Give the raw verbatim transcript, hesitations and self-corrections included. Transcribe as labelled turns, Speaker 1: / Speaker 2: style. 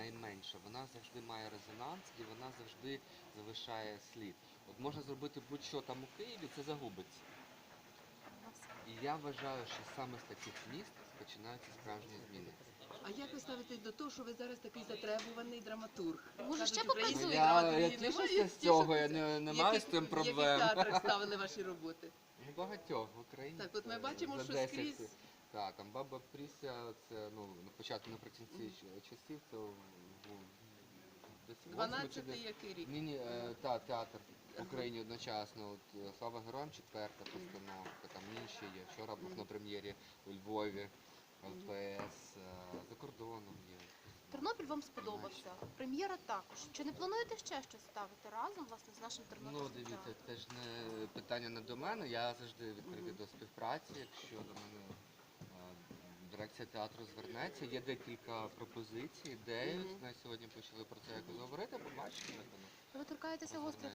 Speaker 1: найменша, вона завжди має резонанс і вона завжди залишає слід. От можна зробити будь-що там у Києві, це загубиться. І я вважаю, що саме з таких міст починаються справжні зміни.
Speaker 2: А як ви ставитесь до того, що ви зараз такий затребуваний драматург?
Speaker 3: Може,
Speaker 2: Кажуть,
Speaker 3: ще
Speaker 2: української
Speaker 3: попрацюєте?
Speaker 1: Я,
Speaker 2: драматургії
Speaker 1: я
Speaker 2: немає,
Speaker 1: тішуся з цього, я не, не маю з цим
Speaker 2: В
Speaker 1: проблем.
Speaker 2: яких театрах ставили ваші роботи?
Speaker 1: Ну, багатьох в Україні.
Speaker 2: Так, от ми
Speaker 1: це
Speaker 2: бачимо,
Speaker 1: за
Speaker 2: що
Speaker 1: десять.
Speaker 2: скрізь-
Speaker 1: Так, там Баба Пріся, це ну, на початку наприкінці щ- часів, це в- в- десь восьмий чи
Speaker 2: дванадцятий
Speaker 1: де-
Speaker 2: який рік?
Speaker 1: Ні, ні, е, та, театр в Україні одночасно. От, е, Слава героям, четверта постановка, там інші є. Вчора був на прем'єрі у Львові, ЛПС, е, за кордоном є.
Speaker 3: Тернопіль вам сподобався. Прем'єра також. Чи не плануєте ще щось ставити разом, власне, з нашим
Speaker 1: Ну,
Speaker 3: тернопільським
Speaker 1: дивіться,
Speaker 3: театром?
Speaker 1: це ж не питання не до мене. Я завжди відкритий до співпраці. Якщо до мене е, дирекція театру звернеться, є декілька пропозицій, ідей.
Speaker 2: Мгм.
Speaker 1: Ми сьогодні почали про це якось говорити, побачимо, як воно.
Speaker 3: Ви торкаєтеся гострих